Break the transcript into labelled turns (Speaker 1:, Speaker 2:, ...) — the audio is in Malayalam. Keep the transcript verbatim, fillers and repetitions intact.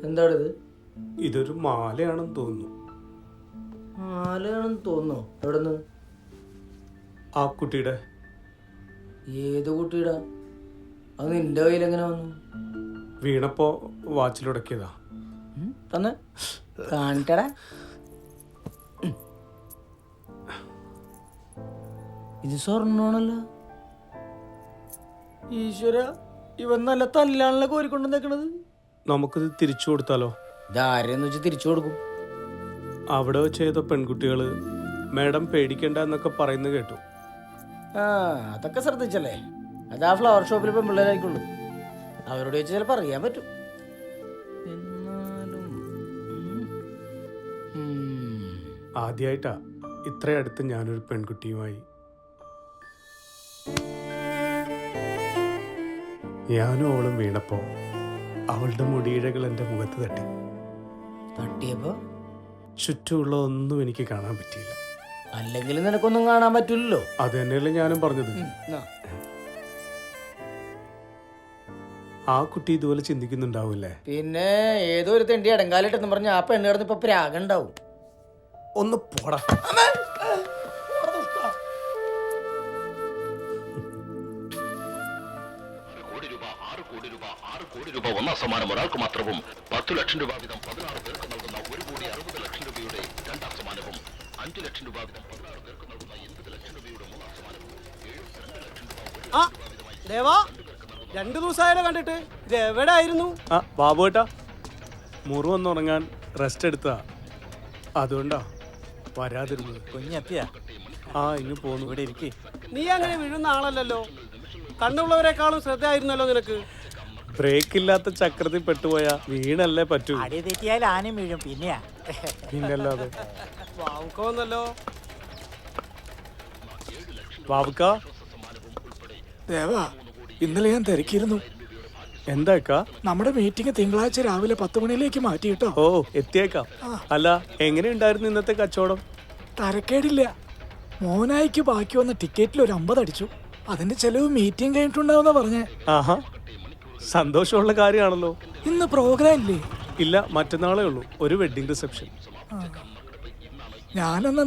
Speaker 1: എന്താണിത്?
Speaker 2: ഇതൊരു മാലയാണെന്ന് തോന്നുന്നു.
Speaker 1: മാലയാണെന്ന് തോന്നുന്നു. എവിടെ നിന്ന്?
Speaker 2: ആ കുട്ടിയുടെ.
Speaker 1: ഏത് കുട്ടിയുടെ? അത് നിന്റെ കയ്യിൽ എങ്ങനെ വന്നു?
Speaker 2: വീണപ്പോ വാച്ചിലുടക്കിയതാ.
Speaker 1: തന്നെ കാണിക്കടാ. ഇത് സ്വർണ്ണമാണല്ലോ. ഈശ്വര, ഇവൻ നല്ല തല്ലാണല്ലോ കോരിക്കൊണ്ട് നിൽക്കണത്.
Speaker 2: നമുക്കിത് തിരിച്ചു കൊടുത്താലോ?
Speaker 1: ഇതാരെന്ന് വെച്ച് തിരിച്ചു കൊടുക്കും?
Speaker 2: അവിടെ വെച്ച് ചെയ്ത പെൺകുട്ടികള് മാഡം പേടിക്കണ്ട എന്നൊക്കെ പറയുന്നത് കേട്ടു.
Speaker 1: ആ, അതൊക്കെ ശ്രദ്ധിച്ചല്ലേ. അത് ആ ഫ്ലവർ ഷോപ്പിൽ ഇപ്പം പിള്ളേരായിക്കുള്ളൂ. അവരോട് വെച്ച് ചിലപ്പോൾ അറിയാൻ പറ്റും. എന്നാലും
Speaker 2: ആദ്യമായിട്ടാ ഇത്ര അടുത്ത് ഞാനൊരു പെൺകുട്ടിയുമായി. ഞാനും അവളും വീണപ്പോ അവളുടെ മുടിയിഴകൾ എൻ്റെ മുഖത്ത് തട്ടി.
Speaker 1: തട്ടിയപ്പോ
Speaker 2: ചുറ്റുമുള്ള ഒന്നും എനിക്ക് കാണാൻ പറ്റിയില്ല.
Speaker 1: അല്ലെങ്കിൽ നിനക്കൊന്നും കാണാൻ പറ്റില്ലല്ലോ.
Speaker 2: അത് തന്നെയല്ലേ ഞാനും പറഞ്ഞത്. ആ കുട്ടി ഇതുപോലെ ചിന്തിക്കുന്നുണ്ടാവൂല്ലേ?
Speaker 1: പിന്നെ ഏതോ ഒരു തെണ്ടി അടങ്കാലിട്ടെന്ന് പറഞ്ഞ ആ പെണ്ണ് കിടന്ന് ഇപ്പൊ പ്രാഗണ്ടാവും.
Speaker 2: ഒന്ന് പോടാ.
Speaker 3: ഒന്നാം സമ്മാനം ഒരാൾക്ക് മാത്രവും പത്തു ലക്ഷം രൂപ വീതം പതിനാറ് പേർക്ക് നൽകുന്ന ഒരു കോടി അറുപത് ലക്ഷം രൂപയുടെ രണ്ടാം സമ്മാനവും അഞ്ചു ലക്ഷം രൂപ വീതം പതിനാറ് പേർക്ക് നൽകുന്ന എൺപത് ലക്ഷം രൂപയുടെ മൂന്നാം സമ്മാനവും എഴുപത്തിരണ്ട് ലക്ഷം രൂപ
Speaker 4: രണ്ടു ദിവസമായാലോ കണ്ടിട്ട്. ഇത് എവിടെ ആയിരുന്നു?
Speaker 2: ആ ബാബുവേട്ടാ, മുറിവൊന്നുറങ്ങാൻ റെസ്റ്റ് എടുത്താ, അതുകൊണ്ടാ വരാതിരുന്നത്.
Speaker 4: കുഞ്ഞെത്തിയാ?
Speaker 2: ആ, ഇങ്ങ് പോന്നു.
Speaker 4: ഇവിടെ ഇരിക്കേ. നീ അങ്ങനെ വീഴുന്ന ആളല്ലല്ലോ. കണ്ണുള്ളവരെക്കാളും ശ്രദ്ധയായിരുന്നല്ലോ നിനക്ക്.
Speaker 2: ബ്രേക്ക് ഇല്ലാത്ത ചക്രത്തിൽ പെട്ടുപോയാ വീണല്ലേ പറ്റൂ.
Speaker 4: അടി തെറ്റിയാൽ ആനയും വീഴും. പിന്നെയാ
Speaker 2: പിന്നല്ലാതെ.
Speaker 4: വാവുക്കോന്നല്ലോ.
Speaker 2: ബാബുക്ക,
Speaker 5: ദേവാ, ഇന്നലെ ഞാൻ തിരക്കിയിരുന്നു.
Speaker 2: എന്താക്കാ?
Speaker 5: നമ്മുടെ മീറ്റിംഗ് തിങ്കളാഴ്ച രാവിലെ പത്ത് മണിയിലേക്ക് മാറ്റി കേട്ടോ.
Speaker 2: ഓ, എത്തിയേക്കാം. അല്ല, എങ്ങനെയുണ്ടായിരുന്നു ഇന്നത്തെ കച്ചവടം?
Speaker 5: തരക്കേടില്ല. മോനായിക്ക് ബാക്കി വന്ന ടിക്കറ്റിൽ ഒരു അമ്പത് അടിച്ചു. അതിന്റെ ചെലവ് മീറ്റിംഗ് കഴിഞ്ഞിട്ടുണ്ടാവുന്ന പറഞ്ഞേ.
Speaker 2: ആഹാ, സന്തോഷമുള്ള കാര്യമാണല്ലോ.
Speaker 5: ഇന്ന് പ്രോഗ്രാം ഇല്ലേ?
Speaker 2: ഇല്ല, മറ്റന്നാളേ ഉള്ളൂ ഒരു വെഡിങ് റിസപ്ഷൻ.
Speaker 5: ഞാനെന്നാ